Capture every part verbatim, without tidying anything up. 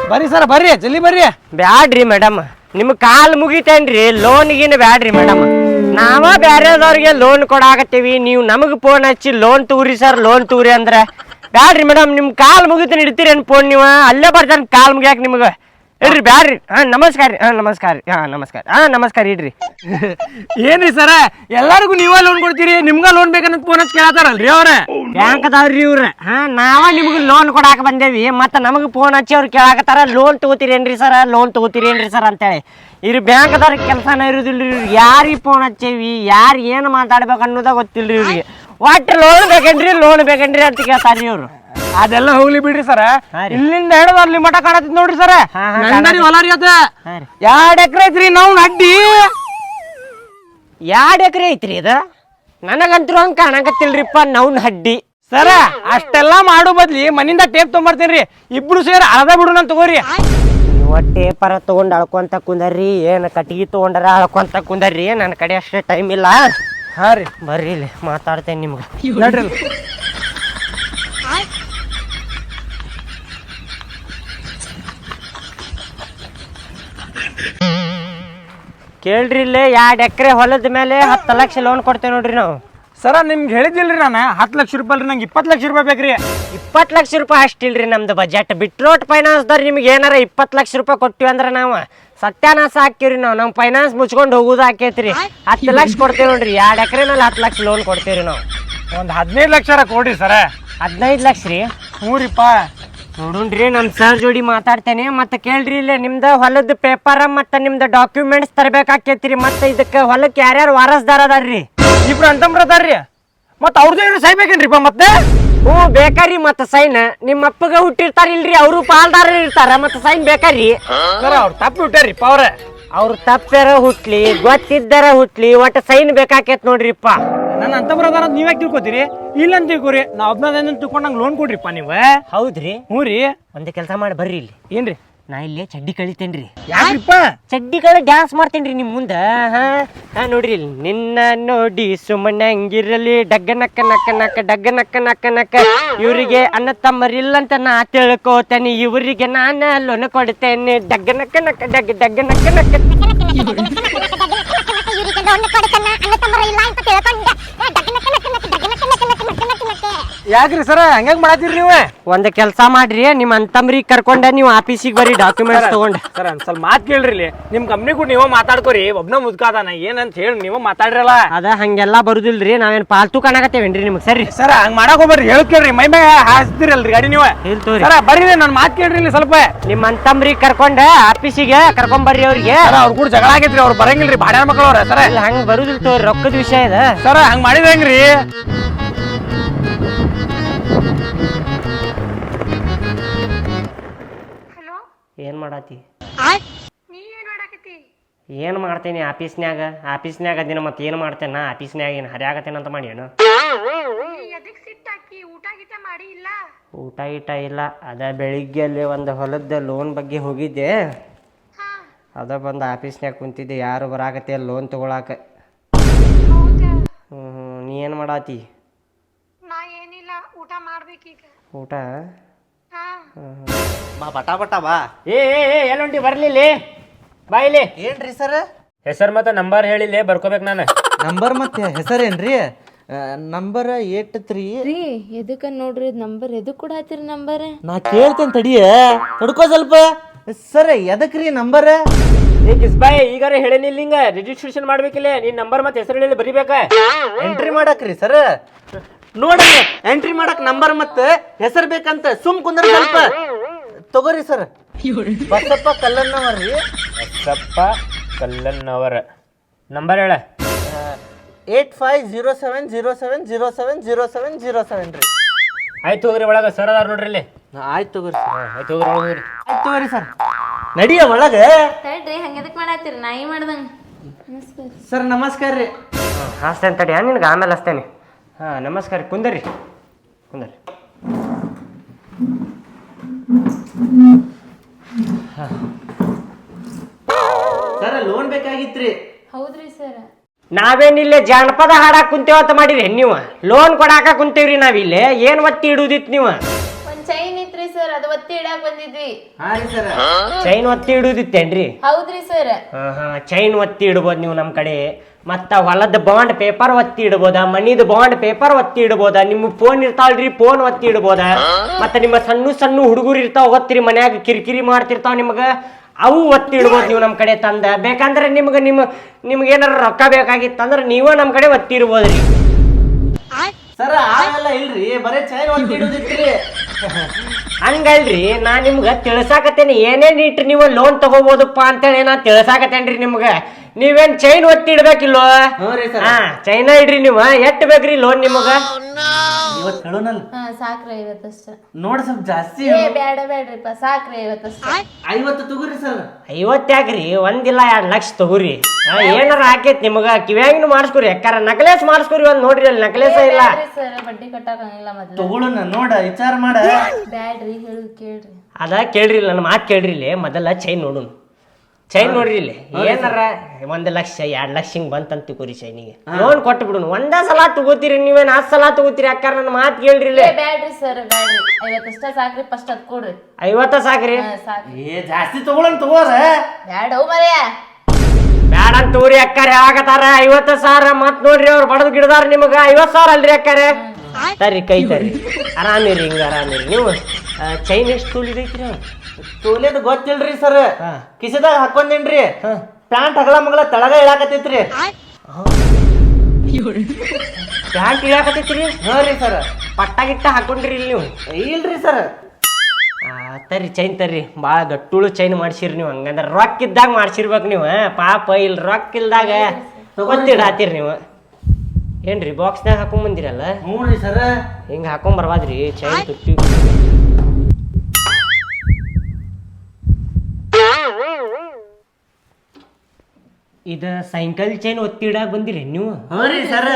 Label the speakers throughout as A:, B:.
A: ಬರ್ರಿ ಸರ್ ಬರ್ರಿ ಜಲ್ದಿ ಬರ್ರಿ.
B: ಬ್ಯಾಡ್ರಿ ಮೇಡಮ್, ನಿಮ್ ಕಾಲ್ ಮುಗಿತೇನ್ರಿ, ಲೋನ್ಗಿನ ಬ್ಯಾಡ್ರಿ ಮೇಡಮ್. ನಾವ ಬ್ಯಾರೆದವ್ರಿಗೆ ಲೋನ್ ಕೊಡಾಕತ್ತೀವಿ, ನೀವು ನಮಗ್ ಫೋನ್ ಹಚ್ಚಿ ಲೋನ್ ತೂರಿ ಸರ್ ಲೋನ್ ತೂರಿ ಅಂದ್ರೆ ಬ್ಯಾಡ್ರಿ ಮೇಡಮ್. ನಿಮ್ ಕಾಲ್ ಮುಗಿತೇನೆ ಇಡ್ತೀರೇನು ಫೋನ್ ನೀವು? ಅಲ್ಲೇ ಬರ್ತಾನೆ ಕಾಲ್ ಮುಗಿಯಾಕ ನಿಮ್ಗೆ. ಇಡ್ರಿ ಬ್ಯಾಡ್ರಿ. ಹಾ ನಮಸ್ಕಾರ ರೀ. ಹಾ ನಮಸ್ಕಾರ ರೀ. ಹಾ ನಮಸ್ಕಾರ. ಹಾ ನಮಸ್ಕಾರ ಇಡ್ರಿ.
A: ಏನ್ರಿ ಸರ ಎಲ್ಲಾರಿಗೂ ನೀವೇ ಲೋನ್ ಕೊಡ್ತೀರಿ, ನಿಮ್ಗ ಲೋನ್ ಬೇಕನ್ನೋದು ಫೋನ್ ಹಚ್ಚಿ ಕೇಳತ್ತಾರಲ್ರಿ ಅವ್ರ?
B: ಬ್ಯಾಂಕ್ ಅದಾವ್ರಿ ಇವ್ರ. ಹಾ ನಾವ ನಿಮ್ಗೆ ಲೋನ್ ಕೊಡಾಕ ಬಂದೇವಿ, ಮತ್ತೆ ನಮಗೆ ಫೋನ್ ಹಚ್ಚಿ ಅವ್ರು ಕೇಳಾಕತ್ತಾರ ಲೋನ್ ತಗೋತೀರೇನ್ರಿ ಸರ ಲೋನ್ ತಗೋತೀರೇನ್ರಿ ಸರ್ ಅಂತೇಳಿ. ಇವ್ರು ಬ್ಯಾಂಕ್ ಅದಾರ ಕೆಲಸನ ಇರುದಿಲ್ರಿ ಇವ್ರಿಗೆ. ಯಾರಿಗೆ ಫೋನ್ ಹಚ್ಚೇವಿ, ಯಾರು ಏನು ಮಾತಾಡ್ಬೇಕು ಅನ್ನೋದ ಗೊತ್ತಿಲ್ರಿ ಇವ್ರಿಗೆ. ಒಟ್ಟು ಲೋನ್ ಬೇಕೇನ್ರಿ ಲೋನ್ ಬೇಕೇನ್ರಿ ಅಂತ ಕೇಳ್ತಾರ್ರಿ ಇವ್ರು.
A: ಅದೆಲ್ಲ ಹೋಗ್ಲಿ ಬಿಡ್ರಿ ಸರ, ಇಲ್ಲಿಂದ ಹಿಡಿದು ಅಲ್ಲಿ ಮಠ ಕಾಣತ್ ನೋಡ್ರಿ ಸರ. ನಂದರಿ ಹೊಲ ರೀ ಅದ ಎರಡ್ ಎಕರೆ ಐತ್ರಿ. ನಾವು ಅಡ್ಡಿ
B: ಎರಡ್ ಎಕರೆ ಐತ್ರಿ ಅದ. ನನಗಂತೂ ಹಂಗ ಕಾಣಕತ್ತಿಲ್ರಿಪ್ಪ ನವ್ನ ಹಡ್ಡಿ.
A: ಸರ ಅಷ್ಟೆಲ್ಲಾ ಮಾಡೋ ಬದ್ಲಿ ಮನಿಂದ ಟೇಪ್ ತೊಗೊಂಬರ್ತೇನ್ರಿ, ಇಬ್ರು ಸೇರಿ ಅರ್ಧ ಬಿಡುನ ತಗೋರಿ.
B: ನೀವು ಟೇಪರ ತಗೊಂಡ್ ಅಳ್ಕೊಂತ ಕುಂದರ್ರಿ, ಏನ್ ಕಟ್ಟಿಗೆ ತಗೊಂಡಾರ ಅಳ್ಕೊಂತ ಕುಂದರ್ರಿ, ನನ್ನ ಕಡೆ ಅಷ್ಟೇ ಟೈಮ್ ಇಲ್ಲ.
A: ಹಾ ರೀ
B: ಬರ್ರಿ ಇಲ್ಲಿ ಮಾತಾಡ್ತೇನೆ ನಿಮ್ಗೆ.
A: ನೋಡ್ರಿ
B: ಕೇಳ್ರಿ ಇಲ್ಲೇ ಎರಡ್ ಎಕರೆ ಹೊಲದ ಮೇಲೆ ಹತ್ತು ಲಕ್ಷ ಲೋನ್ ಕೊಡ್ತೇವೆ ನೋಡ್ರಿ ನಾವು.
A: ಸರ ನಿಮ್ಗೆ ಹೇಳಿದಿಲ್ರಿ ನಾನು ಹತ್ತು ಲಕ್ಷ ರೂಪಾಯಿ ನಂಗೆ ಇಪ್ಪತ್ತು ಲಕ್ಷ ರೂಪಾಯಿ ಬೇಕ್ರಿ.
B: ಇಪ್ಪತ್ತು ಲಕ್ಷ ರೂಪಾಯಿ ಅಷ್ಟಿಲ್ರಿ ನಮ್ದು ಬಜೆಟ್. ಬಿಟ್ರೋಟ್ ಫೈನಾನ್ಸ್ದವ್ರು ನಿಮ್ಗೆ ಏನಾರ ಇಪ್ಪತ್ತು ಲಕ್ಷ ರೂಪಾಯಿ ಕೊಟ್ಟಿವಿ ಅಂದ್ರೆ ನಾವು ಸತ್ಯಾನಾಶ ಹಾಕಿವ್ರಿ. ನಾವು ನಮ್ಮ ಫೈನಾನ್ಸ್ ಮುಚ್ಕೊಂಡು ಹೋಗುದು ಹಾಕೈತ್ರಿ. ಹತ್ತು ಲಕ್ಷ ಕೊಡ್ತೇವೆ ನೋಡ್ರಿ, ಎರಡು ಎಕರೆ ಮೇಲೆ ಹತ್ತು ಲಕ್ಷ ಲೋನ್ ಕೊಡ್ತೇವ್ರಿ ನಾವು.
A: ಒಂದು ಹದಿನೈದು ಲಕ್ಷ ಕೊಡ್ರಿ ಸರ.
B: ಹದಿನೈದು ಲಕ್ಷ ರೀ?
A: ಹ್ಞೂರಿಪ್ಪ.
B: ನೋಡುಣ್ರಿ ನಮ್ಮ ಸರ್ ಜೋಡಿ ಮಾತಾಡ್ತೇನೆ. ಮತ್ತೆ ಕೇಳ್ರಿ ಇಲ್ಲೇ ನಿಮ್ದು ಹೊಲದ ಪೇಪರ್ ಮತ್ತೆ ನಿಮ್ದು ಡಾಕ್ಯುಮೆಂಟ್ಸ್ ತರಬೇಕಾಕೈತ್ರಿ. ಮತ್ತೆ ಇದಕ್ಕೆ ಹೊಲಕ್ಕೆ ಯಾರ್ಯಾರು ವಾರಸ್ದಾರ ಅದಾರ್ರಿ?
A: ಇಬ್ರು ಅಂತಂಬ್ರ ಅದಾರ್ರಿ. ಮತ್ತೆ ಅವ್ರದ್ದು ಏನು ಸೈ ಬೇಕೇನ್ರಿಪ್ಪ ಮತ್ತೆ?
B: ಹ್ಞೂ ಬೇಕಾರಿ. ಮತ್ತೆ ಸೈನ್ ನಿಮ್ಮ ಅಪ್ಪಗ ಹುಟ್ಟಿರ್ತಾರ ಇಲ್ರಿ, ಅವರು ಪಾಲ್ದಾರ ಇರ್ತಾರ, ಮತ್ತೆ ಸೈನ್ ಬೇಕಾರಿ.
A: ಸರ ಅವ್ರು ತಪ್ಪು ಬಿಟ್ಟಾರಿಪ್ಪ ಅವ್ರ.
B: ಅವ್ರು ತಪ್ಪಾರ ಹುಟ್ಲಿ ಗೊತ್ತಿದ್ದಾರ ಹುಟ್ಲಿ ಒಟ್ಟು ಸೈನ್ ಬೇಕಾಕೇತ್ ನೋಡ್ರಿಪ್ಪ.
A: ನನ್ನ ಅಂತಂಬ್ರ ಅದಾರ ನೀವೇ ತಿಳ್ಕೊತೀರಿ? ಇಲ್ಲ ಅಂತ ತಿಳ್ಕೊರಿ. ನಾ ಒಬ್ಬನ ತಿಳ್ಕೊಂಡು ನಂಗೆ ಲೋನ್ ಕೊಡ್ರಿಪ್ಪ ನೀವು.
B: ಹೌದ್ರಿ?
A: ಹ್ಞೂ ರೀ.
B: ಒಂದೇ ಕೆಲಸ ಮಾಡಿ ಬರ್ರಿ ಇಲ್ಲಿ.
A: ಏನ್ರಿ?
B: ನಾ ಇಲ್ಲೇ ಚಡ್ಡಿ ಕಳಿತೇನ್ರಿ.
A: ಯಾಕ್ರಿಪ್ಪ?
B: ಚಡ್ಡಿ ಕಳಿ ಡ್ಯಾನ್ಸ್ ಮಾಡ್ತೇನ್ರಿ ನಿಮ್ ಮುಂದ. ಹಾ ಹಾ ನೋಡ್ರಿ ಇಲ್ಲಿ. ನಿನ್ನ ನೋಡಿ ಸುಮ್ಮನೆ ಹಂಗಿರಲಿ ಡಗ್ಗ ನಕ್ಕ ನಕ್ಕ ನಕ್ಕ ಡಗ್ಗ ನಕ್ಕ ನಕ್ಕ ನಕ್ಕ. ಇವರಿಗೆ ಅನ್ನ ತಮ್ಮರಿಲ್ಲಂತ ನಾ ತಿಳ್ಕೋತೇನೆ, ಇವರಿಗೆ ನಾನು ಲೋನ್ ಕೊಡ್ತೇನೆ. ಡಗ್ಗ ನಕ್ಕ ನಕ್ಕ ಡಗ್ಗ ಡಗ್ಗ ನಕ್ಕ ನಕ್ಕ.
A: ಯಾಕ್ರಿ ಸರ ಹಂಗಾಗಿ ಮಾಡತ್ತೀರಿ ನೀವು?
B: ಒಂದ್ ಕೆಲಸ ಮಾಡ್ರಿ, ನಿಮ್ ಅಂತಂಬ್ರಿಗೆ ಕರ್ಕೊಂಡ ನೀವು ಆಫೀಸಿಗೆ ಬರ್ರಿ ಡಾಕ್ಯುಮೆಂಟ್ಸ್ ತಗೊಂಡ್.
A: ಸರ್ ಒಂದ್ ಸ್ವಲ್ಪ ಮಾತು ಕೇಳ್ರಿ ಇಲ್ಲಿ. ನಿಮ್ ಕಂಪ್ನಿ ಕೂಡ ನೀವ ಮಾತಾಡ್ಕೋರಿ. ಒಬ್ನ ಮುದ್ಕಾದಾನ ಏನಂತ ಹೇಳಿ ನೀವ ಮಾತಾಡ್ರಲ್ಲ.
B: ಅದ ಹಂಗೆಲ್ಲಾ ಬರುದಿಲ್ರಿ, ನಾವೇನ್ ಪಾಲ್ತು ಕಾಣಕತ್ತೇವೇನ್ರಿ ನಿಮ್ಗೆ? ಸರಿ
A: ಸರ ಹಂಗ ಮಾಡಕ್ ಹೋಗ್ಬರ್ರಿ. ಹೇಳ ಕೇಳ್ರಿ, ಮೈ ಮೈ ಹಾಸ್ತಿರಲ್ರಿ ಗಾಡಿ ನೀವು.
B: ಹೇಳ್ತವ್ರಿ
A: ಸರ ಬರ್ರಿ, ನನ್ ಮಾತು ಕೇಳ್ರಿ ಇಲ್ಲಿ ಸ್ವಲ್ಪ.
B: ನಿಮ್ ಅಂತಂಬ್ರಿಗೆ ಕರ್ಕೊಂಡ ಆಫೀಸಿಗೆ ಕರ್ಕೊಂಡ್ ಬರ್ರಿ ಅವ್ರಿಗೆ.
A: ಅವ್ರ ಕೂಡ ಜಗಳ ಆಗೈತ್ರಿ, ಅವ್ರು ಬರಂಗಿಲ್ರಿ ಬಾಡ್ಯಾನ ಮಕ್ಕಳು ಅವ್ರ. ಸರ
B: ಹಂಗ ಬರುದಿಲ್ ತೋರಿ, ರೊಕ್ಕದ ವಿಷಯ ಇದೆ.
A: ಸರ ಹಂಗ ಮಾಡಿದ ಹೆಂಗ್ರಿ?
B: ಏನ್ ಮಾಡಾತಿ? ಏನ್ ಮಾಡ್ತೇನಿ ಆಫೀಸ್ನ್ಯಾಗ? ಆಫೀಸ್ನ್ಯಾಗ ಅದಿನ ಮತ್ತೆ ಏನ್ ಮಾಡ್ತೇನ? ನಾ ಆಫೀಸ್ನ್ಯಾಗ ಏನ್ ಹರಿಯಾಗತ್ತೇನಂತ ಮಾಡಿ ಏನು? ಊಟ ಗೀಟ ಇಲ್ಲ. ಅದ ಬೆಳಿಗ್ಗೆ ಅಲ್ಲಿ ಒಂದು ಹೊಲದ ಲೋನ್ ಬಗ್ಗೆ ಹೋಗಿದ್ದೆ, ಅದ ಬಂದು ಆಫೀಸ್ನ್ಯಾಗ ಕುಂತಿದ್ದೆ. ಯಾರು ಬರಾಕತ್ತೆ ಲೋನ್ ತಗೊಳಾಕ. ಹ್ಮ್ ಹ್ಮ್ ನೀ ಏನ್ ಮಾಡಾತಿ? ಊಟ
C: ಬಾ ಬಟಾ ಬಟಾ ಬಾ.
B: ಏ ಎಲ್ಲೊಂಟಿ ಬರ್ಲಿಲ್ಲ ಬಾ ಇಲ್ಲಿ.
C: ಏನ್ರಿ ಸರ್?
D: ಹೆಸರು ಮತ್ತೆ ನಂಬರ್ ಹೇಳಿಲ್ಲ ಬರ್ಕೋಬೇಕು ನಾನು.
C: ನಂಬರ್ ಮತ್ತೆ ಹೆಸರೇನ್ರಿ? ನಂಬರ್ ಏಟ್ ತ್ರೀ
E: ರೀ ಎದಕ್ಕ ನೋಡ್ರಿ ನಂಬರ್ ಎದಕ್ ಕೂಡ ಹತ್ತಿರ ನಂಬರ್?
C: ನಾ ಕೇಳ್ತೇನೆ ತಡಿಯ, ತಡ್ಕೋ ಸ್ವಲ್ಪ. ಸರ್ ಎದಕ್ರಿ ನಂಬರ್?
D: ಏ ಕಿಸ್ಬಾಯ್ ಈಗಾರ ಹೇಳೇನಿಲ್ಲ, ಹಿಂಗ ರಿಜಿಸ್ಟ್ರೇಷನ್ ಮಾಡ್ಬೇಕಿಲ್ಲ. ನಿನ್ ನಂಬರ್ ಮತ್ತೆ ಹೆಸರು ಹೇಳಿ ಬರಿಬೇಕ.
C: ಎಂಟ್ರಿ ಮಾಡಕ್ರಿ ಸರ್? ನೋಡ್ರಿ ಎಂಟ್ರಿ ಮಾಡಕ್ ನಂಬರ್ ಮತ್ತೆ ಹೆಸರು ಬೇಕಂತ ಸುಮ್ ಕುಂದ್ರ ಸ್ವಲ್ಪ. ತಗೋರಿ ಸರ್. ಬಸಪ್ಪ ಕಲ್ಲನ್ನವರ್ರಿ.
D: ಬಸಪ್ಪ ಕಲ್ಲನ್ನವರ. ನಂಬರ್ ಹೇಳ.
C: Eight five zero seven zero seven zero seven zero seven zero seven ರೀ.
D: ಆಯ್ತು ಹೋಗ್ರಿ ಒಳಗ ಸರ್ ಅದಾರ ನೋಡ್ರಿ ಇಲ್ಲಿ.
C: ಆಯ್ತು ತಗೋರಿ ಸರ್.
D: ಆಯ್ತು ಹೋಗ್ರಿ ಒಳಗ ಹೋಗ್ರಿ.
C: ಆಯ್ತು ತಗೋರಿ ಸರ್. ನಡಿಯ ಒಳಗ.
E: ತಡ್ರಿ ಹಂಗೆದಕ್ ಮಾಡತ್ತೀರಿ? ನಾಯಿ ಮಾಡ್ದಂಗ. ನಮಸ್ಕಾರ
C: ಸರ್. ನಮಸ್ಕಾರ ರೀ.
B: ಹಾಸ್ತೇನೆ ತಡಿ, ನಿನ್ಗೆ ಆಮೇಲೆ ಹಸ್ತೇನೆ. ಹಾಂ ನಮಸ್ಕಾರ, ಕುಂದರಿ ಕುಂದರಿ.
C: ಸರ್ ಲೋನ್ ಬೇಕಾಗಿತ್ರಿ.
E: ಹೌದ್ರಿ ಸರ್.
B: ನಾವೇನಿಲ್ಲ ಜಾನಪದ ಹಾಡಾಕ್ ಕುಂತೇವ ಅಂತ ಮಾಡಿರಿ ನೀವು? ಲೋನ್ ಕೊಡಾಕ ಕುಂತೇವ್ರಿ ನಾವಿಲ್ಲಿ. ಏನ್ ಒತ್ತಿ ಇಡುದಿತ್ತು ನೀವು?
E: ಒಂದ್ ಚೈನ್ ಇತ್ರಿ ಸರ್ ಅದು ಒತ್ತಿ ಇಡಾಕ್ ಬಂದಿದ್ವಿ.
C: ಹಾ ರೀ ಸರ್.
B: ಚೈನ್ ಒತ್ತಿ ಇಡುದಿತ್ತೇನ್ರಿ?
E: ಹೌದ್ರಿ ಸರ್.
B: ಹಾ ಹಾ ಚೈನ್ ಒತ್ತಿ ಇಡ್ಬೋದು ನೀವು ನಮ್ಮ ಕಡೆ. ಮತ್ತ ಹೊಲದ ಬಾಂಡ್ ಪೇಪರ್ ಒತ್ತಿ ಇಡ್ಬೋದ, ಮನಿದ ಬಾಂಡ್ ಪೇಪರ್ ಒತ್ತಿ ಇಡ್ಬೋದ, ನಿಮ್ಮ ಫೋನ್ ಇರ್ತಾವಲ್ರಿ ಫೋನ್ ಒತ್ತಿ ಇಡ್ಬೋದ. ಮತ್ತ ನಿಮ್ಮ ಸಣ್ಣ ಸಣ್ಣ ಹುಡುಗರು ಇರ್ತಾವ ಗೊತ್ತಿರಿ ಮನ್ಯಾಗ ಕಿರಿಕಿರಿ ಮಾಡ್ತಿರ್ತಾವ ನಿಮ್ಗ, ಅವು ಒತ್ತಿ ಇಡ್ಬೋದು ನೀವು ನಮ್ಮ ಕಡೆ ತಂದ. ಬೇಕಂದ್ರೆ ನಿಮ್ಗೆ ನಿಮ್ಮ ನಿಮ್ಗೆ ಏನಾರ ರೊಕ್ಕ ಬೇಕಾಗಿತ್ತಂದ್ರೆ ನೀವೇ ನಮ್ಮ ಕಡೆ ಒತ್ತಿ ಇಡ್ಬೋದ್ರಿ.
C: ಸರ್ ಆಗಲ್ಲ ಇಲ್ರಿ, ಬರೇ ಚೈನ್ ಒತ್ತಿ ಇಡುದಿತ್ರಿ.
B: ಹಂಗಲ್ರಿ, ನಾ ನಿಮ್ಗೆ ತಿಳ್ಸಾಕತ್ತೇನಿ ಏನೇನ್ ಇಟ್ರಿ ನೀವು ಲೋನ್ ತಗೋಬೋದಪ್ಪ ಅಂತೇಳಿ ನಾ ತಿಳ್ಸಾಕತ್ತೇನ್ರಿ ನಿಮ್ಗೆ. ನೀವೇನ್ ಚೈನ್ ಒತ್ತಿ ಇಡ್ಬೇಕಿಲ್ವ? ಹಾ ಚೈನ ಇಡ್ರಿ ನೀವು. ಎಷ್ಟ್ ಬೇಕ್ರಿ ಲೋನ್ ನಿಮಗ?
C: ಇವತ್ತು ಹೇಳೋನಲ್ಲ.
E: ಹಾ ಸಾಕ್ರಿ ಐವತ್ತಷ್ಟ.
C: ನೋಡ್ ಸ್ವಲ್ಪ ಜಾಸ್ತಿ.
E: ಏ ಬ್ಯಾಡ ಬ್ಯಾಡ್ರಿಪ್ಪ ಸಾಕ್ರಿ ಐವತ್ತಷ್ಟ.
C: ಐವತ್ತು ತಗೋರಿ ಸರ್.
B: ಐವತ್ತ್ಯಾಕ್ರಿ, ಒಂದಿಲ್ಲ ಎರಡ್ ಲಕ್ಷ ತಗೋರಿ. ಏನಾರ ಹಾಕೈತಿ ನಿಮಗ ಕಿವ್ಯಾಗಿನೂ ಮಾಡಿಸ್ಕೊರಿ, ಯಾಕಾರ ನಕ್ಲೇಸ್ ಮಾಡಿಸ್ಕೊರಿ. ಒಂದ್ ನೋಡ್ರಿ ಅಲ್ಲಿ ನಕ್ಲೇಸ ಇಲ್ಲ
E: ಸರ್, ಬಡ್ಡಿ ಕಟ್ಟಾಕಂಗಿಲ್ಲ ಮೊದ್ಲು.
C: ತಗೊಳ್ಳೋಣ ನೋಡ ವಿಚಾರ ಮಾಡ.
E: ಬ್ಯಾಡ್ರಿ ಹೇಳುದು ಕೇಳ್ರಿ.
B: ಅದ ಕೇಳ್ರಿ, ನನ್ನ ಮಾತು ಕೇಳ್ರಿ. ಇಲ್ಲಿ ಮೊದಲ ಚೈನ್ ನೋಡುನ್. ಚೈನ್ ನೋಡ್ರಿ ಇಲ್ಲಿ ಏನಾರ ಒಂದ್ ಲಕ್ಷ ಎರಡ್ ಲಕ್ಷ ಹಿಂಗ್ ಬಂತಂತ ತಿಕೋರಿ ಚೈನಿಗೆ ಲೋನ್ ಕೊಟ್ಟು ಬಿಡುನು. ಒಂದ ಸಲ ತಗೋತೀರಿ ನೀವೇನ್ ಹತ್ತು ಸಲ ತಗೋತೀರಿ? ಯಾಕಾರ ನನ್ನ ಮಾತು ಕೇಳ್ರಿ. ಇಲ್ಲಿ
E: ಬ್ಯಾಡ್ರಿ ಸರ್ ಬ್ಯಾಡ್ರಿ, ಐವತ್ತಷ್ಟ ಸಾಕ್ರಿ. ಫಸ್ಟ್ ಅದ್ ಕೊಡ್ರಿ.
B: ಐವತ್ತ ಸಾಕ್ರಿ?
C: ಏ ಜಾಸ್ತಿ ತಗೊಳ್ಳೋಣ ತಗೋರ.
E: ಬ್ಯಾಡ ಮರ್ಯ
B: ಬ್ಯಾಡ ಅಂತ ತಗೋರಿ. ಅಕ್ಕಾರ ಆಗತಾರ ಐವತ್ತ ಸಾವಿರ. ಮತ್ ನೋಡ್ರಿ ಅವ್ರು ಬಡದ್ ಗಿಡದಾರ ನಿಮಗ ಐವತ್ ಸಾವಿರ ಅಲ್ರಿ ಅಕ್ಕಾರ. ತರ್ರಿ ಕೈ ತರ್ರಿ, ಆರಾಮಿರಿ ಹಿಂಗ ಆರಾಮಿರಿ. ನೀವು ಚೈನ್ ಎಷ್ಟು ತೋಲಿದೈತ್ರಿ?
C: ತೋಲೇದ್ ಗೊತ್ತಿಲ್ರಿ ಸರ್, ಕಿಸದಾಗ ಹಾಕೊಂಡೇನ್ರಿ. ಪ್ಯಾಂಟ್ ಹಗಲ ಮಗಳ ತಳಗ ಇಳಾಕತೈತ್ರಿ.
B: ಪ್ಯಾಂಟ್ ಇಳಾಕತೈತ್ರಿ?
C: ಹಾ ರೀ ಸರ್.
B: ಪಟ್ಟ ಗಿಟ್ಟ ಹಾಕೊಂಡ್ರಿ ಇಲ್ಲಿ ನೀವು?
C: ಇಲ್ರಿ ಸರ್.
B: ತರ್ರಿ ಚೈನ್ ತರ್ರಿ. ಭಾಳ ಗಟ್ಟುಳು ಚೈನ್ ಮಾಡ್ಸಿರಿ ನೀವು. ಹಂಗಂದ್ರೆ ರೊಕ್ಕ ಇದ್ದಾಗ ಮಾಡ್ಸಿರ್ಬೇಕು ನೀವು. ಪಾಪ ಇಲ್ಲಿ ರೊಕ್ಕ ಇಲ್ದಾಗ ಗೊತ್ತಿಡಾತೀರಿ ನೀವು. ಏನ್ರಿ ಬಾಕ್ಸ್ನಾಗ ಹಾಕೊಂಡ್ ಬಂದಿರಲ್ಲ?
C: ಹ್ಞೂ ರೀ ಸರ್.
B: ಹಿಂಗ ಹಾಕೊಂಡ್ ಬರ್ಬಾದ್ರಿ ಚೈನ್ ತುಟ್ಟಿ. ಇದ ಸೈಕಲ್ ಚೈನ್ ಒತ್ತಿ ಇಡಾಕ ಬಂದಿರಿ ನೀವು?
C: ಹ್ಞೂ ರೀ ಸರ್.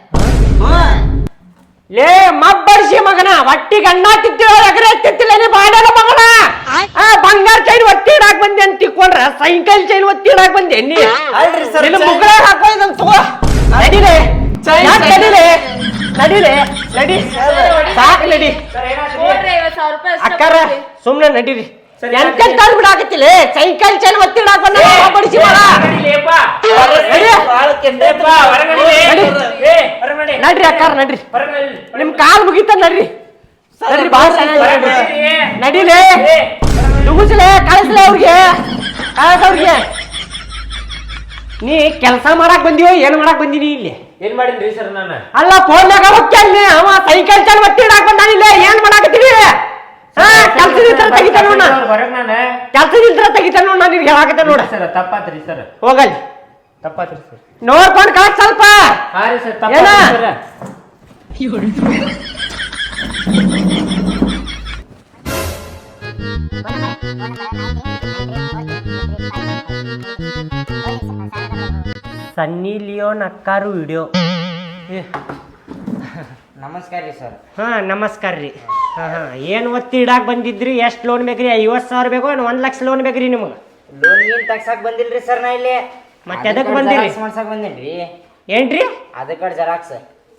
B: ಲೇ ಮಬ್ಬರ್ಸಿ ಮಗನ, ಒಟ್ಟಿಗೆ ಅಣ್ಣ ತಿತ್ತಿಲ್ಲ ಎಗರೆ ತಿತ್ತಿಲ್ಲ ನೀ ಬಾಡನ ಮಗನ. ಬಂಗಾರ ಚೈನ್ ಒತ್ತಿ ಇಡಾಕ ಬಂದೆ ಅಂತ ತಿಕ್ಕೊಂಡ್ರ ಸೈಕಲ್ ಚೈನ್ ಒತ್ತಿ ಇಡಾಕ ಬಂದೆ ನೀ?
C: ಅಲ್ರಿ ಸರ್,
B: ನಿನ್ನ ಮುಗಳ ಹಾಕೋದ್ ತಗೋ. ನಡಿಲೆ ನಡಿಲೆ ನಡಿಲೆ ನಡಿ ಸಾಕು ನಡಿ.
E: ಕೊಡ್ರಿ ಐವತ್ ಸಾವಿರ ರೂಪಾಯಿ ಅಷ್ಟ
B: ಅಕ್ಕಾರ
E: ಕೊಡ್ರಿ.
B: ಸುಮ್ನೆ ನಡೀರಿ. ಎಂತೆಂತ ಬಿಡಾಕತ್ತಿಲ್ಲ ಸೈಕಲ್ ಚೈನ್ ಒತ್ತಿ ಇಡಾಕ ಬಂದ ಬಡಿಸಿ ಮಗ. ನಡ್ರಿ ಅಕ್ಕಾರ ನಡ್ರಿ, ನಿಮ್ ಕಾಲ್ ಮುಗಿತ ನಡ್ರಿ. ನಡ್ರಿ ಬಾಳ ನಡಿಲೆ ನುಗ್ಗಿಸ್ಲೆ ಕಳಿಸ್ಲೆ ಅವ್ರಿಗೆ ಕಳಿಸ ಅವ್ರಿಗೆ. ನೀ ಕೆಲಸ ಮಾಡಕ್ ಬಂದಿವೋ ಏನ್ ಮಾಡಕ್ ಬಂದಿನಿ ಇಲ್ಲಿ?
D: ಏನ್ ಮಾಡಿದ್ರಿ ಸರ್ ನಾನು?
B: ಅಲ್ಲ ಫೋನ್ಯಾಗ ಹೋಗ್ತೇನೆ ಅವ ಸೈಕಲ್ ಚೈನ್ ಒತ್ತಿ ಇಡಾಕ ಬಂದಾನಿಲ್ಲ. ಏನ್ ಮಾಡಾಕತ್ತೀವಿ? ಹಾ ಕೆಲ್ಸದಿದ್ರ ತೆಗಿತ ನೋಡ,
D: ಹೊರಗ್ ನಾನು
B: ಕೆಲ್ಸದಿದ್ರ ತೆಗಿತ ನೋಡ. ನಾನು ನಿನ್ಗೆ ಹೇಳಾಕತ್ತೆ ನೋಡ.
D: ಸರ್ ತಪ್ಪಾತ್ರಿ ಸರ್,
B: ಹೋಗಲ್ಲಿ
D: ತಪ್ಪಾತ್ರಿ ಸರ್.
B: ನೋಡ್ಕೊಂಡ್ ಕಳಕ್ ಸ್ವಲ್ಪ.
D: ಹಾ ರೀ ಸರ್
B: ಏನ?
D: ತಪ್ಪಾತ್ರಿ ಸರ್.
B: ಸನ್ನಿ ಲಿಯೋನ್ ಅಕ್ಕಾರು ವಿಡಿಯೋ.
A: ನಮಸ್ಕಾರ ರೀ ಸರ್.
B: ಹಾ ನಮಸ್ಕಾರ ರೀ. ಹಾ ಹಾ ಏನ್ ಒತ್ತಿ ಇಡಾಕ್ ಬಂದಿದ್ರಿ? ಎಷ್ಟ್ ಲೋನ್ ಬೇಕ್ರಿ? ಐವತ್ ಸಾವಿರ ಬೇಕೋ ಏನ್ ಒಂದ್ ಲಕ್ಷ ಲೋನ್ ಬೇಕ್ರಿ ನಿಮ್ಗೆ?
A: ಲೋನ್ ಏನ್ ತಗ್ಸಾಕ್ ಬಂದಿಲ್ರಿ ಸರ್ ನಾ ಇಲ್ಲಿ.
B: ಮತ್ತೆ ಅದಕ್ಕೆ ಬಂದಿರಿ?
A: ಮಾಡ್ಸಕ್ ಬಂದೇನ್ರಿ.
B: ಏನ್ರಿ?
A: Aadhaar card xerox.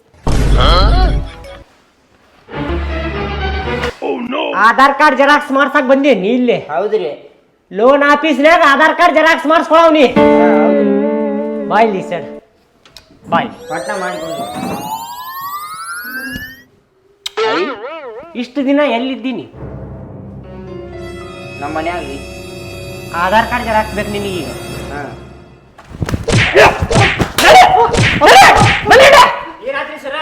B: Aadhaar card xerox ಮಾಡ್ಸಕ್ ಬಂದೀನಿ ಇಲ್ಲಿ.
A: ಹೌದ್ರಿ.
B: ಲೋನ್ ಆಫೀಸ್ನ್ಯಾಗ ಆಧಾರ್ ಕಾರ್ಡ್ ಜೆರಾಕ್ಸ್ ಮಾಡಿಸ್ಕೊಳವ್ನಿ. ಬಾಯ್ ಇಲ್ಲಿ ಸರ್, ಬಾಯ್.
A: ಪಟ್ನ ಮಾಡ್ಕೊಂಡು
B: ಇಷ್ಟು ದಿನ ಎಲ್ಲಿದ್ದೀನಿ?
A: ನಮ್ಮ ಮನ್ಯಾಗ ರೀ.
B: ಆಧಾರ್ ಕಾರ್ಡ್ ಜೆರಾಕ್ಸ್ ಬೇಕು ನಿನಗೆ ಈಗ?
A: ಹಾ.
D: ಏನಾದ್ರಿ ಸರ್?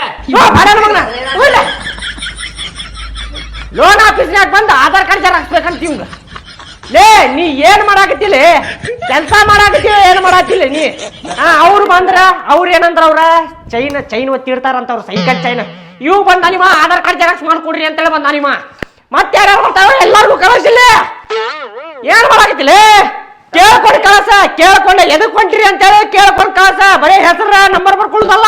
B: ಲೋನ್ ಆಫೀಸ್ನ್ಯಾಗ ಬಂದು ಆಧಾರ್ ಕಾರ್ಡ್ ಜೆರಾಕ್ಸ್ ಬೇಕಂತ ಇವಂಗ. ಲೇ ನೀ ಏನ್ ಮಾಡಾಕತ್ತಿಲ್ಲ? ಕೆಲಸ ಮಾಡಾಕತ್ತೀವಿ ಏನ್ ಮಾಡಾತಿಲ್ಲ ನೀ? ಹಾ ಅವ್ರು ಬಂದ್ರ ಅವ್ರ ಏನಂದ್ರ ಅವ್ರ ಚೈನ್ ಚೈನ್ ಒತ್ತಿರ್ತಾರಂತ ಅವ್ರ ಸೈಕಲ್ ಚೈನ್. ಇವ್ ಬಂದ ನಿಮ್ಮ ಆಧಾರ್ ಕಾರ್ಡ್ ಜೆರಾಕ್ಸ್ ಮಾಡ್ಕೊಡ್ರಿ ಅಂತೇಳಿ ಬಂದ ನಿಮ್ಮ. ಮತ್ತೆ ಯಾರು ಬರ್ತಾವ ಎಲ್ಲಾರ್ಗು ಕಳಿಸಿಲ್ಲ. ಏನ್ ಮಾಡಾಕತ್ತಿಲ್ಲ? ಕೇಳ್ಕೊಂಡು ಕಳಸ, ಕೇಳ್ಕೊಂಡ ಎದಕ್ ಹೊಂಟ್ರಿ ಅಂತೇಳಿ ಕೇಳ್ಕೊಂಡ್ ಕಳಸ. ಬರೀ ಹೆಸರ ನಂಬರ್ ಬರ್ಕೊಳ್ಳೋದಲ್ಲ.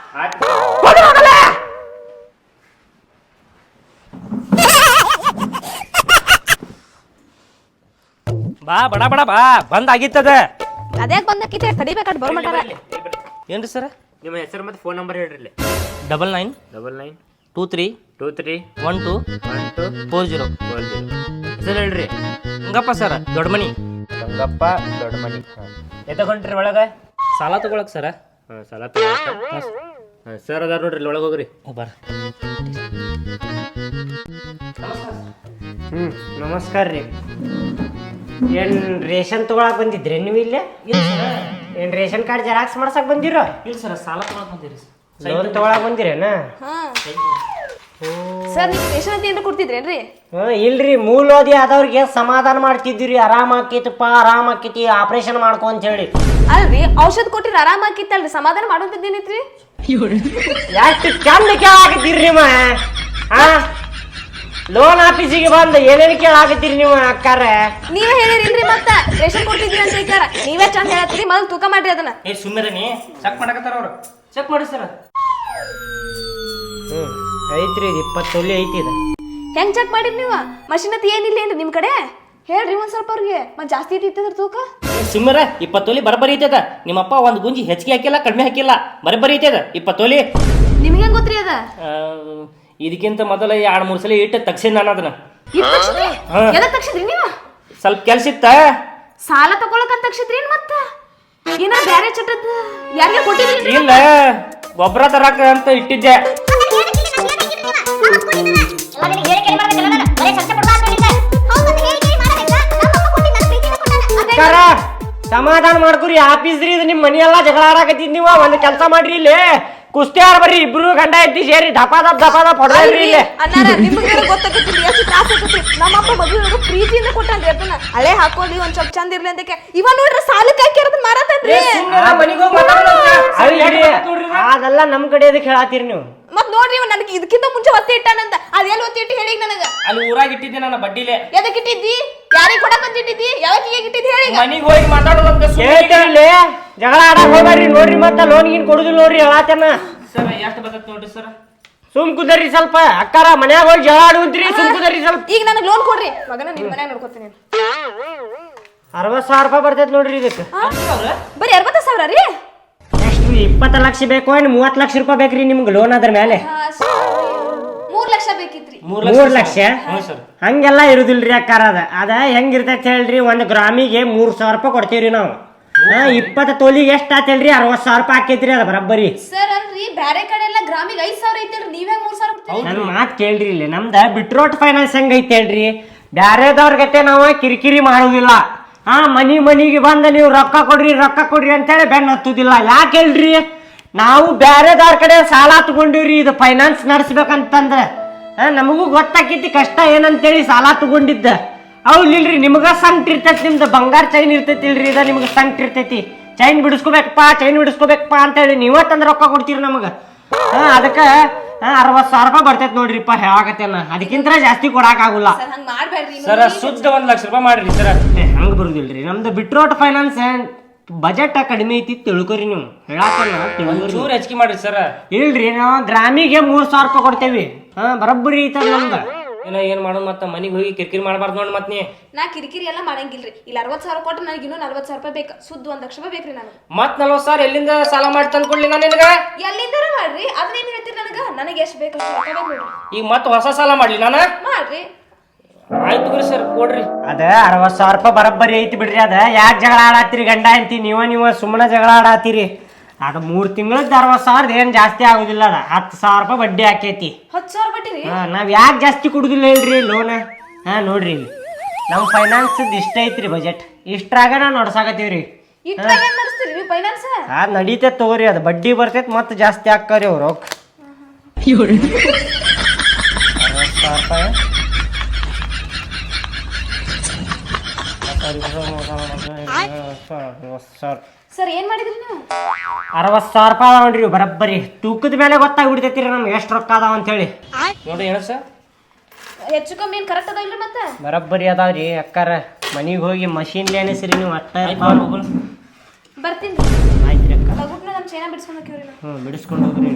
B: ಬಾ ಬಡ ಬಡ ಬಾ ಬಂದ್ ಆಗಿತ್ತದ.
F: ಅದ್ಯಾಕ್ ಬಂದಕ್ಕಿತೆ ಕಡಿಬೇಕಾದ್ ಬರ್ಮಟಾರ.
B: ಏನ್ರಿ ಸರ್
D: ನಿಮ್ಮ ಹೆಸರು ಮತ್ತೆ ಫೋನ್ ನಂಬರ್ ಹೇಳ್ರಿ.
B: Double nine
D: double nine
G: two three
D: two three
G: one two
D: one two
G: four zero
D: four zero ಹೆಸರು ಹೇಳ್ರಿ.
G: ಹಂಗಪ್ಪ ಸರ್ ದೊಡ್ಡ ಮನಿ
D: ಗಂಗಪ್ಪ ದೊಡ್ಡ ಮನಿ. ಎತ್ತಕೊಂಡ್ರಿ ಒಳಗೆ
G: ಸಾಲ ತಗೊಳಕ್ ಸರ
D: ಹಾಂ ಸಾಲ ತಗೊಳಕ ಹಾಂ ಸರ್ ಅದಾರ ನೋಡ್ರಿ ಒಳಗೆ ಹೋಗ್ರಿ.
G: ಬರ
B: ಹ್ಞೂ ನಮಸ್ಕಾರ ರೀ. ಏನು ರೇಷನ್ ತೊಗೊಳಕ್ ಬಂದಿದ್ರಿ ನೀವು ಇಲ್ಲೇ? ಏನು ರೇಷನ್ ಕಾರ್ಡ್ ಜೆರಾಕ್ಸ್ ಮಾಡ್ಸಕ್ ಬಂದಿರೋ?
G: ಇಲ್ಲ ಸರ್ ಸಾಲ ತಗೊಳಕ್ ಬಂದಿರಿ
B: ಲೋನ್ ತೊಗೊಳಕ್ ಬಂದಿರೇನ?
F: ಹಾ ಸರ್ ನೀವು ರೇಷನ್ ಅಂತ ಏನಾರ ಕೊಡ್ತಿದ್ರೇನ್ರಿ?
B: ಹ್ಞೂ ಇಲ್ರಿ, ಮೂಲೋದಿ ಆದವ್ರಿಗೆ ಸಮಾಧಾನ ಮಾಡ್ತಿದ್ವಿ. ಆರಾಮ ಆಕೈತಪ್ಪ, ಆರಾಮ ಆಕೈತಿ, ಆಪರೇಷನ್ ಮಾಡ್ಕೊ ಅಂತ ಹೇಳಿ.
F: ಅಲ್ರಿ ಔಷಧ ಕೊಟ್ಟಿರಿ ಆರಾಮ ಆಕಿತ್ತಲ್ರಿ, ಸಮಾಧಾನ ಮಾಡೋಂತದ್ದೇನಿತ್ರಿ?
B: ಎಷ್ಟು ಚಂದ ಕೇಳಾಕತ್ತೀರಿ ನೀವು. ಹಾ ಲೋನ್ ಆಫೀಸಿಗೆ ಬಂದು ಏನೇನು ಕೇಳಾಕತ್ತೀರಿ ನೀವು ಅಕ್ಕಾರ?
F: ನೀವೇ ಹೇಳಿರಿಲ್ರಿ ಮತ್ತ ರೇಷನ್ ಕೊಟ್ಟಿದ್ರಿ ಅಂತ ಹೇಳ್ತಾರ. ನೀವೇ ಚಂದ ಹೇಳತ್ತೀರಿ, ಮೊದಲು ತೂಕ ಮಾಡ್ರಿ ಅದನ್ನ.
G: ಏ ಸುಮ್ಮನೆ ನೀ ಚೆಕ್ ಮಾಡಕತ್ತಾರ ಅವ್ರು. ಚೆಕ್ ಮಾಡಿ ಸರ್.
B: ಹ್ಞೂ ಐತ್ರಿ, ಇದು ಇಪ್ಪತ್ತು ತೊಲಿ ಐತಿ ಇದು.
F: ಹೆಂಗ್ ಚೆಕ್ ಮಾಡಿರಿ ನೀವು? ಮಷಿನ್ ಅತ್ ಏನಿಲ್ಲ ಏನ್ರಿ ನಿಮ್ ಕಡೆ? ಹೇಳ್ರಿ ಒಂದ್ ಸ್ವಲ್ಪ ಅವ್ರಿಗೆ. ಮತ್ ಜಾಸ್ತಿ ಐತಿ ತೂಕ?
G: ಸುಮ್ಮರ ಇಪ್ಪತ್ತೊಲಿ ಬರಬರಿ ಐತದ. ನಿಮ್ಮಪ್ಪ ಒಂದ್ ಗುಂಜಿ ಹೆಚ್ಚಿಗೆ ಹಾಕಿಲ್ಲ ಕಡಿಮೆ ಹಾಕಿಲ್ಲ, ಬರಬರಿ ಐತದ ಇಪ್ಪತ್ತೊಲಿ.
F: ನಿಮ್ಗೆ ಹೆಂಗ್ ಗೊತ್ತ್ರಿ ಅದ?
G: ಇದಕ್ಕಿಂತ ಮೊದಲ ಎರಡ್ ಮೂರ್ ಸಲ ಇಟ್ಟು ತಗ್ಸಿನ್ ನಾನು ಅದನ್ನ.
F: ಎದಕ್ ತಕ್ಷದ್ರಿ ನೀವು?
G: ಸ್ವಲ್ಪ ಕೆಲ್ಸ ಇತ್ತ.
F: ಸಾಲ ತಗೊಳಕ್ ಅಂತ ತಕ್ಷದ್ರಿ ಮತ್ತ ಏನ ಬ್ಯಾರೆ ಚಟದ್ ಯಾರಿಗೆ ಕೊಟ್ಟಿದ್ರಿ?
G: ಇಲ್ಲ ಗೊಬ್ಬರ ತರಾಕ ಅಂತ ಇಟ್ಟಿದ್ದೆ.
B: ಸಮಾಧಾನ ಮಾಡ್ಕೊರಿ, ಆಫೀಸ್ ರೀ ಇದು. ನಿಮ್ ಮನಿ ಎಲ್ಲಾ ಜಗಳ ಆಡಾಕತ್ತಿದ್ ನೀವು. ಒಂದ್ ಕೆಲಸ ಮಾಡ್ರಿ, ಇಲ್ಲಿ ಕುಸ್ತಿ ಆಡ್ ಬರ್ರಿ ಇಬ್ರು ಗಂಡ ಎತ್ತಿ ಸೇರಿ ದಪ ದಪ್ ದಪ ದಪ್ ಹೊಡೆದ್ರಿ ಇಲ್ಲಿ.
F: ಅಣ್ಣಾರ ನಿಮ್ಗೆ ಗೊತ್ತಾಗತ್ರಿ ಎಷ್ಟು ತ್ರಾಸ ಆಗತ್ರಿ. ನಮ್ಮಪ್ಪ ಮದುವೆ ಪ್ರೀತಿಯಿಂದ ಕೊಟ್ಟಾನ್ರಿ ಅದನ್ನ. ಹಳೆ ಹಾಕೊಳ್ಳಿ ಒಂದ್ ಸ್ವಲ್ಪ ಚಂದ ಇರ್ಲಿ ಅಂತ. ಇವ ನೋಡ್ರಿ ಸಾಲಕ್ಕೆ ಹಾಕಿ ಅದನ್ನ ಮಾರಾತನ್ರಿ.
B: ಅದೆಲ್ಲ ನಮ್ ಕಡೆ ಅದಕ್ಕೆ ಹೇಳಾತೀರಿ ನೀವು.
F: ಮತ್ ನೋಡ್ರಿ ಇವ ನನಗೆ ಇದಕ್ಕಿಂತ ಮುಂಚೆ ಒತ್ತಿ ಇಟ್ಟಾನಂತ. ಅದೆಲ್ಲ ಒತ್ತಿ ಇಟ್ಟು ಹೇಳಿ ನನಗ.
G: ಅಲ್ಲಿ ಊರಾಗ ಇಟ್ಟಿದ್ದೆ ನನ್ನ ಬಡ್ಡಿಲೆ.
F: ಎದಕ್ ಇಟ್ಟಿದ್ದಿ? ಯಾರಿಗೆ ಕೊಡಕಂತ ಇಟ್ಟಿದ್ದಿ? ಯಾವಾಗ ಇಟ್ಟಿದ್ದಿ ಹೇಳಿ?
G: ಮನಿಗ್ ಹೋಗಿ ಮಾತಾಡೋದಂತ
B: ಹೇಳ್ತಿರ್ಲಿ, ಜಗಳ ಆಡಕ್ ಹೋಗ್ಬೇಡ್ರಿ. ನೋಡ್ರಿ ಮತ್ತ ಲೋನ್ ಗಿನ್ ಕೊಡುದಿಲ್ಲ ನೋಡ್ರಿ ಹೇಳಾತೇನ.
G: ಸರ್ ಎಷ್ಟು ಬರ್ತೈತೆ ನೋಡ್ರಿ ಸರ್.
B: ಸುಮ್ ಕುದರಿ ಸ್ವಲ್ಪ ಅಕ್ಕಾರ, ಮನ್ಯಾಗ ಹೋಗಿ ಜಗಳ ಆಡುವಂತ್ರಿ. ಸುಮ್ ಕುದರಿ ಸ್ವಲ್ಪ.
F: ಈಗ ನನಗೆ ಲೋನ್ ಕೊಡ್ರಿ ಮಗನ, ನಿಮ್ ಮನ್ಯಾಗ ನೋಡ್ಕೊತೀನಿ.
B: ಅರವತ್ ಸಾವಿರ ರೂಪಾಯಿ ಬರ್ತೈತಿ ನೋಡ್ರಿ ಇದಕ್ಕೆ.
F: ಬರೀ ಅರವತ್ತ ಸಾವಿರ ರೀ?
B: ಎಷ್ಟು ಇಪ್ಪತ್ತು ಲಕ್ಷ ಬೇಕು ಏನು ಮೂವತ್ತು ಲಕ್ಷ ರೂಪಾಯಿ ಬೇಕ್ರಿ ನಿಮ್ಗೆ ಲೋನ್ ಅದ್ರ ಮೇಲೆ?
F: ಮೂರ್ ಲಕ್ಷ ಬೇಕಿತ್ರಿ.
B: ಮೂರ್ ಲಕ್ಷ ಹಂಗೆಲ್ಲ ಇರುದಿಲ್ರಿ ಅಕ್ಕಾರ. ಅದ ಅದ ಹೆಂಗಿರ್ತೈತಿ ಹೇಳ್ರಿ, ಒಂದ್ ಗ್ರಾಮಿಗೆ ಮೂರ್ ಸಾವಿರ ರೂಪಾಯಿ ಕೊಡ್ತೀವ್ರಿ ನಾವು. ಇಪ್ಪತ್ತು ತೊಲಿಗೆ ಎಷ್ಟ್ ಆತಲ್ರಿ? ಅರವತ್ ಸಾವಿರ ರೂಪಾಯಿ ಆಕೈತ್ರಿ ಅದ ಬರಬ್ಬರಿ.
F: ಸರ್ ಅಲ್ರಿ ಬ್ಯಾರೆ ಕಡೆ ಎಲ್ಲ ಗ್ರಾಮಿಗೆ ಐದ್ ಸಾವಿರ ಐತಲ್ರಿ, ನೀವೇ ಮೂರ್ ಸಾವಿರ ಕೊಡ್ತೀರಿ?
B: ನನ್ ಮಾತ್ ಕೇಳ್ರಿ, ಇಲ್ಲಿ ನಮ್ದ ಬಿಟ್ರೋಟ್ ಫೈನಾನ್ಸ್ ಹೆಂಗ್ ಐತಿ ಹೇಳ್ರಿ, ಬ್ಯಾರೆದವ್ರ ಗತೆ ನಾವು ಕಿರಿಕಿರಿ ಮಾಡುದಿಲ್ಲ. ಹಾ ಮನಿ ಮನಿಗೆ ಬಂದ ನೀವು ರೊಕ್ಕ ಕೊಡ್ರಿ ರೊಕ್ಕ ಕೊಡ್ರಿ ಅಂತೇಳಿ ಬೆನ್ನ ಹತ್ತುದಿಲ್ಲ. ಯಾಕೆ ಹೇಳ್ರಿ, ನಾವು ಬ್ಯಾರೆದವ್ರ ಕಡೆ ಸಾಲ ತಗೊಂಡಿವ್ರಿ ಇದು ಫೈನಾನ್ಸ್ ನಡೆಸ್ಬೇಕಂತಂದ್ರ. ಹಾ ನಮಗೂ ಗೊತ್ತಾಕೈತಿ ಕಷ್ಟ ಏನಂತೇಳಿ ಸಾಲ ತಗೊಂಡಿದ್ದ. ಹೌದಿಲ್ರಿ, ನಿಮ್ಗ ಸಂಕಟ ಇರ್ತೈತಿ. ನಿಮ್ದು ಬಂಗಾರ ಚೈನ್ ಇರ್ತೈತಿ ಇಲ್ರಿ, ಇದ ನಿಮ್ಗೆ ಸಂಕಟ ಇರ್ತೈತಿ. ಚೈನ್ ಬಿಡಿಸ್ಕೋಬೇಕಪ್ಪ ಚೈನ್ ಬಿಡಿಸ್ಕೋಬೇಕಪ್ಪ ಅಂತೇಳಿ ನೀವ ತಂದ್ ರೊಕ್ಕ ಕೊಡ್ತೀರಿ ನಮಗ. ಹಾ ಅದಕ್ಕ ಅರವತ್ ಸಾವಿರ ರೂಪಾಯಿ ಬರ್ತೈತಿ ನೋಡ್ರಿಪ್ಪ ಹೇಳಾಕತ್ತೇನ. ಅದಕ್ಕಿಂತ ಜಾಸ್ತಿ ಕೊಡಾಕ್ ಆಗುಲ್ಲ
G: ಸರ್. ಶುದ್ಧ ಒಂದ್ ಲಕ್ಷ ರೂಪಾಯಿ ಮಾಡ್ರಿ ಸರ್.
B: ಹಂಗ ಬರುದಿಲ್ರಿ, ನಮ್ದು ಬಿಟ್ರೋಟ್ ಫೈನಾನ್ಸ್ ಬಜೆಟ್ ಕಡಿಮೆ ಐತಿ ತಿಳ್ಕೊರಿ ನೀವು. ಹೇಳಾಕಲ್ಲ
G: ಚೂರ್ ಹೆಚ್ಚಿಗೆ ಮಾಡ್ರಿ ಸರ್.
B: ಇಲ್ರಿ, ನಾವು ಗ್ರಾಮಿಗೆ ಮೂರ್ ಸಾವಿರ ರೂಪಾಯಿ ಕೊಡ್ತೇವಿ. ಹಾ ಬರಬ್ಬರಿ ಐತದ ನಮ್ದ.
G: ಏನ ಏನ್ ಮಾಡೋದು ಮತ್ತ ಮನಿಗ್ ಹೋಗಿ ಕಿರಿಕಿರಿ ಮಾಡಬಾರ್ದು ನೋಡಿ ಮತ್ ನೀ.
F: ನಾ ಕಿರಿಕಿರಿ ಎಲ್ಲ ಮಾಡಂಗಿಲ್ರಿ. ಇಲ್ಲ ಅರವತ್ ಸಾವಿರ ಕೊಟ್ಟು ನನಗೆ ಇನ್ನೂ ನಲ್ವತ್ ಸಾವಿರ ರೂಪಾಯಿ ಬೇಕು. ಸುದ್ದ ಒಂದ್ ಲಕ್ಷ ರೂಪಾಯಿ ಬೇಕ್ರಿ ನನಗೆ.
G: ಮತ್ ನಲ್ವತ್ ಸಾವಿರ ಎಲ್ಲಿಂದ ಸಾಲ ಮಾಡಿ ತಂದ್ಕೊಡ್ಲಿ ನಾನು ನಿನಗ?
F: ಎಲ್ಲಿಂದಾರ ಮಾಡ್ರಿ, ಅದನ್ನೇನ್ ಹೇಳ್ತೀರಿ ನನಗ? ನನಗೆ ಎಷ್ಟು ಬೇಕು ಅಷ್ಟು ರೊಕ್ಕ ಬೇಕು ನೋಡ್ರಿ.
G: ಈಗ ಮತ್ ಹೊಸ ಸಾಲ ಮಾಡ್ಲಿ ನಾನ?
F: ಮಾಡ್ರಿ.
G: ಆಯ್ತು ಬಿಡ್ರಿ ಸರ್, ಕೊಡ್ರಿ.
B: ಅದ ಅರವತ್ ಸಾವಿರ ರೂಪಾಯಿ ಬರಬ್ಬರಿ ಐತಿ ಬಿಡ್ರಿ. ಅದ ಯಾಕೆ ಜಗಳ ಆಡಾತಿರಿ ಗಂಡ ಅಂತಿ ನೀವ ನೀವ ಸುಮ್ಮನೆ ಜಗಳ ಆಡಾತಿರಿ. ಅದ ಮೂರ್ ತಿಂಗಳದ ಅರವತ್ ಸಾವಿರದ ಏನ್ ಜಾಸ್ತಿ ಆಗುದಿಲ್ಲ. ಅದ ಹತ್ತು ಸಾವಿರ ರೂಪಾಯಿ ಬಡ್ಡಿ ಹಾಕೈತಿ.
F: ಹತ್ತು ಸಾವಿರ ಬಡ್ಡಿ ರೀ?
B: ಹಾ ನಾವ್ ಯಾಕೆ ಜಾಸ್ತಿ ಕೊಡುದಿಲ್ಲ ಹೇಳ್ರಿ ಲೋನ್? ಹಾ ನೋಡ್ರಿ, ಇಲ್ಲಿ ನಮ್ ಫೈನಾನ್ಸ್ ಇಷ್ಟ ಐತ್ರಿ ಬಜೆಟ್. ಇಷ್ಟ್ರಾಗ ನಾವು ನಡ್ಸಾಕತ್ತೀವ್ರಿ.
F: ಇಟ್ರಾಗ ಹೆಂಗ್ ನಡೆಸ್ತೀರಿ ನೀವು ಫೈನಾನ್ಸ್?
B: ಅದ್ ನಡೀತೈತ್ ತಗೋರಿ, ಅದು ಬಡ್ಡಿ ಬರ್ತೈತ್ ಮತ್ ಜಾಸ್ತಿ ಹಾಕ್ತಾರಿ ಅವ್ರು. ಅರವತ್ ಸಾವಿರ ರೂಪಾಯಿ
F: ಸರ್ ಏನ್ ಮಾಡಿದ್ರಿ ನೀವು?
B: ಅರವತ್ ಸಾವಿರ ರೂಪಾಯಿ ಅದಾವ ನೋಡ್ರಿ ಬರಬ್ಬರಿ. ತೂಕದ ಮೇಲೆ ಗೊತ್ತಾಗ್ಬಿಡ್ತೈತಿ ನಮ್ಗೆ ಎಷ್ಟು ರೊಕ್ಕ ಅದಾವ ಅಂತ ಹೇಳಿ.
G: ನೋಡಿ ಏನ ಸರ್,
F: ಹೆಚ್ಚು ಕಮ್ಮಿ ಏನ್ ಕರೆಕ್ಟ್ ಅದ ಇಲ್ರಿ? ಮತ್ತೆ
B: ಬರಬ್ಬರಿ ಅದಾವ್ರಿ ಅಕ್ಕಾರ. ಮನಿಗ್ ಹೋಗಿ ಮಷೀನ್ ಎಣಿಸ್ರಿ ನೀವು. ಅಟ್ಟ
F: ಬರ್ತೀನಿ.
B: ಆಯ್ತ್ರಿ ಅಕ್ಕ.
F: ಲಗುಟ್ನ ನಮ್ ಚೈನಾ ಬಿಡಿಸ್ಕೊಂಡು ಹೋಗ್ರಿ.
B: ಹ್ಞೂ ಬಿಡಿಸ್ಕೊಂಡು ಹೋಗ್ರಿ.